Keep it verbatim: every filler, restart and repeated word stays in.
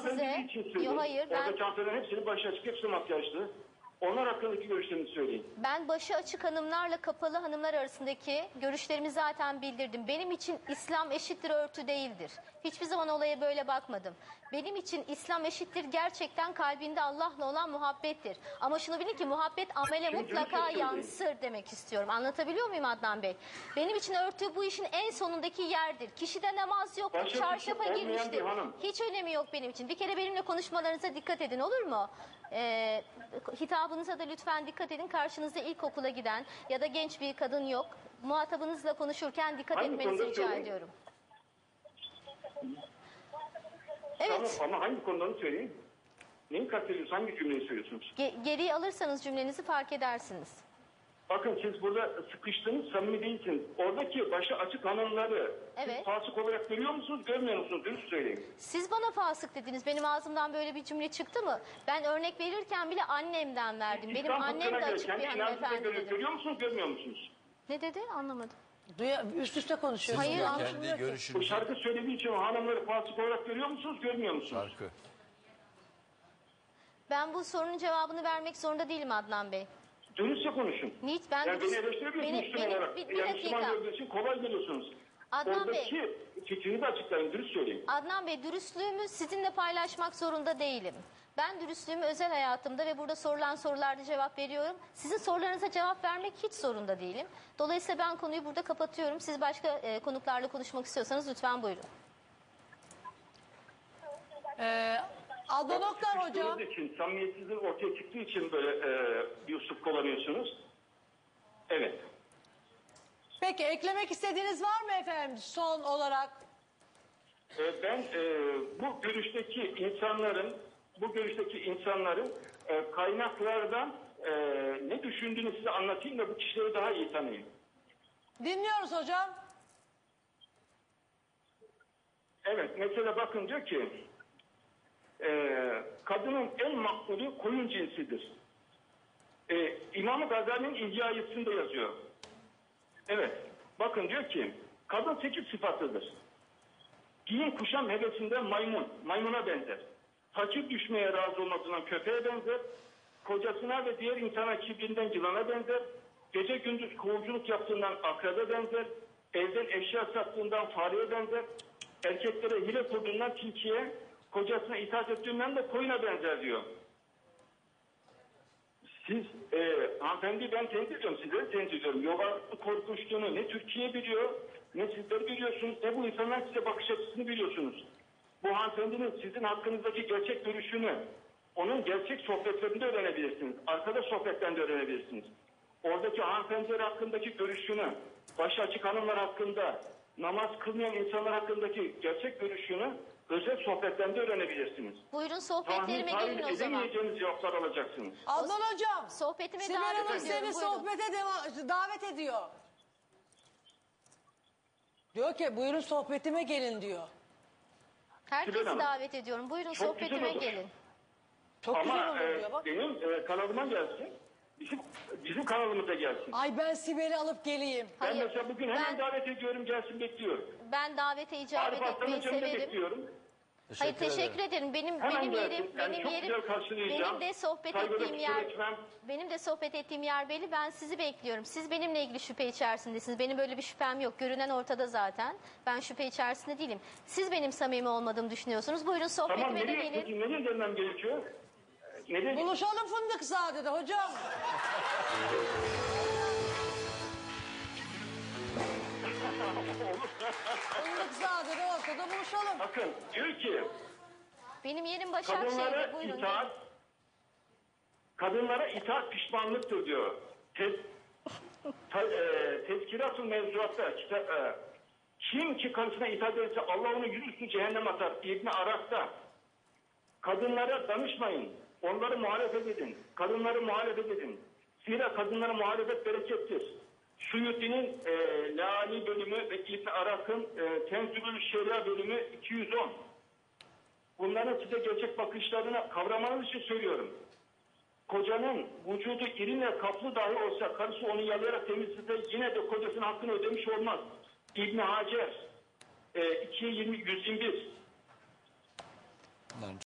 size. Yok hayır. Ben... Oradaki hanımefendilerin hepsinin başı açık, hepsi makyajlı. Onlar hakkındaki görüşlerinizi söyleyin. Ben başı açık hanımlarla kapalı hanımlar arasındaki görüşlerimi zaten bildirdim. Benim için İslam eşittir örtü değildir. Hiçbir zaman olaya böyle bakmadım. Benim için İslam eşittir gerçekten kalbinde Allah'la olan muhabbettir. Ama şunu bilin ki muhabbet amele Şimdi mutlaka görüşürüz. yansır demek istiyorum. Anlatabiliyor muyum Adnan Bey? Benim için örtü bu işin en sonundaki yerdir. Kişide namaz yoktur, Başka çarşafa olmayan bir girmiştir. hanım. Hiç önemi yok benim için. Bir kere benimle konuşmalarınıza dikkat edin, olur mu? Ee, hitabınıza da lütfen dikkat edin. Karşınızda ilkokula giden ya da genç bir kadın yok. Muhatabınızla konuşurken dikkat Hangi etmenizi konuda rica söyleyeyim? ediyorum. Tamam, Evet. ama hangi konularını söyleyin? Neyi kastediyorsunuz? Hangi cümleyi söylüyorsunuz? Ge- geriye alırsanız cümlenizi fark edersiniz. Bakın siz burada sıkıştınız, samimi değilsiniz. Oradaki başı açık hanımları Evet. siz fasık olarak görüyor musunuz, görmüyor musunuz? Dürüst söyleyin. Siz bana fasık dediniz. Benim ağzımdan böyle bir cümle çıktı mı? Ben örnek verirken bile annemden verdim. Benim İslam annem fıkhına de göre açık bir kendi inancınıza hanımefendi göre dedim. görüyor musunuz, görmüyor musunuz? Ne dedi? Anlamadım. Duya, üst üste konuşuyorsunuz. Hayır, ya. anlamıyorum. Kendi Bu görüşünüzü şarkı söylediği için hanımları fasık olarak görüyor musunuz, görmüyor musunuz? şarkı. Ben bu sorunun cevabını vermek zorunda değilim Adnan Bey. Dürüstçe konuşun. Niç? Ben Yani beni dürüst- eleştirebiliyorsunuz Benim- Müslüman benim- olarak. bir- bir yani Müslüman dakika. gördüğü için kolay geliyorsunuz. Adnan Bey. Oradaki fikrini de açıklayın, dürüst söyleyin. Adnan Bey, dürüstlüğümü sizinle paylaşmak zorunda değilim. Ben dürüstlüğümü özel hayatımda ve burada sorulan sorularda cevap veriyorum. Sizin sorularınıza cevap vermek hiç zorunda değilim. Dolayısıyla ben konuyu burada kapatıyorum. Siz başka e, konuklarla konuşmak istiyorsanız lütfen buyurun. Ee, Adnan Oktar hocam. Sıkıştığınız için, samimiyetsizliğin ortaya çıktığı için böyle e, bir usul kullanıyorsunuz. Evet. Peki eklemek istediğiniz var mı efendim son olarak? E, ben e, bu görüşteki insanların, bu görüşteki insanların e, kaynaklardan e, ne düşündüğünü size anlatayım da bu kişileri daha iyi tanıyın. Dinliyoruz hocam. Evet, mesela bakın diyor ki, e, kadının en makbulü koyun cinsidir. E, İmam-ı Gazali'nin İhya'sında yazıyor. Evet, bakın diyor ki, kadın sekiz sıfatıdır. Giyim kuşam hevesinden maymun, maymuna benzer. Fakir düşmeye razı olmasından köpeğe benzer. Kocasına ve diğer insana kibrinden yılana benzer. Gece gündüz kovuculuk yaptığından akrebe benzer. Evden eşya sattığından fareye benzer. Erkeklere hile kurduğundan tilkiye, kocasına itaat ettiğinden de koyuna benzer diyor. Siz, e, hanımefendi ben tenzih ediyorum, sizleri tenzih ediyorum. Yoga korkuştuğunu ne Türkiye biliyor, ne sizler biliyorsunuz, ne bu insanlar size bakış açısını biliyorsunuz. Bu hanımefendinin sizin hakkınızdaki gerçek görüşünü, onun gerçek sohbetlerinde öğrenebilirsiniz. Arkada sohbetten de öğrenebilirsiniz. Oradaki hanımefendiler hakkındaki görüşünü, başı açık hanımlar hakkında, namaz kılmayan insanlar hakkındaki gerçek görüşünü özel sohbetten de öğrenebilirsiniz. Buyurun sohbetlerime Tahmin gelin o zaman. edemeyeceğiniz cevaplar alacaksınız. Adnan hocam. Sohbetime Sibel davet Hanım ediyorum. seni Buyurun. sohbete deva- davet ediyor. Diyor ki buyurun sohbetime gelin diyor. Herkesi Sibel Hanım. davet ediyorum. Buyurun Çok güzel sohbetime olur. gelin. Çok güzel Ama olur e, diyor bak. benim e, kanalıma gelsin. Bizim bizim kanalımıza gelsin. Ay ben Sibel'i alıp geleyim. Ben Hayır, mesela bugün hemen ben- davet ediyorum, gelsin bekliyorum. Ben davete icabet Arif Aslan'ın etmeyi cemini severim. bekliyorum. Hayır teşekkür ederim. Benim Hemen benim gelsin. yerim Yani benim çok yerim güzel karşılayacağım. benim de sohbet Saygıda ettiğim kusur yer etmem. benim de sohbet ettiğim yer belli. Ben sizi bekliyorum. Siz benimle ilgili şüphe içerisindesiniz. Benim böyle bir şüphem yok. Görünen ortada zaten. Ben şüphe içerisinde değilim. Siz benim samimi olmadığımı düşünüyorsunuz. Buyurun Tamam, sohbetime de nereye, gelin. peki nereye gelmem gerekiyor? Nereye? Buluşalım Fındıkzade'de hocam. Fındıkzade'de ortada buluşalım. Bakın diyor ki Benim yerim Başakşehir'de. kadınlara Buyurun. itaat gelin. kadınlara itaat pişmanlıktır diyor. Tez, ta, e, Tezkirat-ı Mevzuat'ta kitap, e, kim ki karısına itaat ederse Allah onu yüzüstü cehennem atar. İbn Araf'ta kadınlara danışmayın. Onları muhalefet edin. Kadınları muhalefet edin. Zira kadınlara muhalefet berekettir. Suyuti'nin e, Lali bölümü ve İbn Araf'ın e, Tenzülül Şeria bölümü iki yüz on. Bunların size gerçek bakışlarını kavramanız için söylüyorum. Kocanın vücudu irinle kaplı dahi olsa karısı onu yalayarak temizlese yine de kocasının hakkını ödemiş olmaz. İbn Hacer e, iki yüz yirmi yüz yirmi bir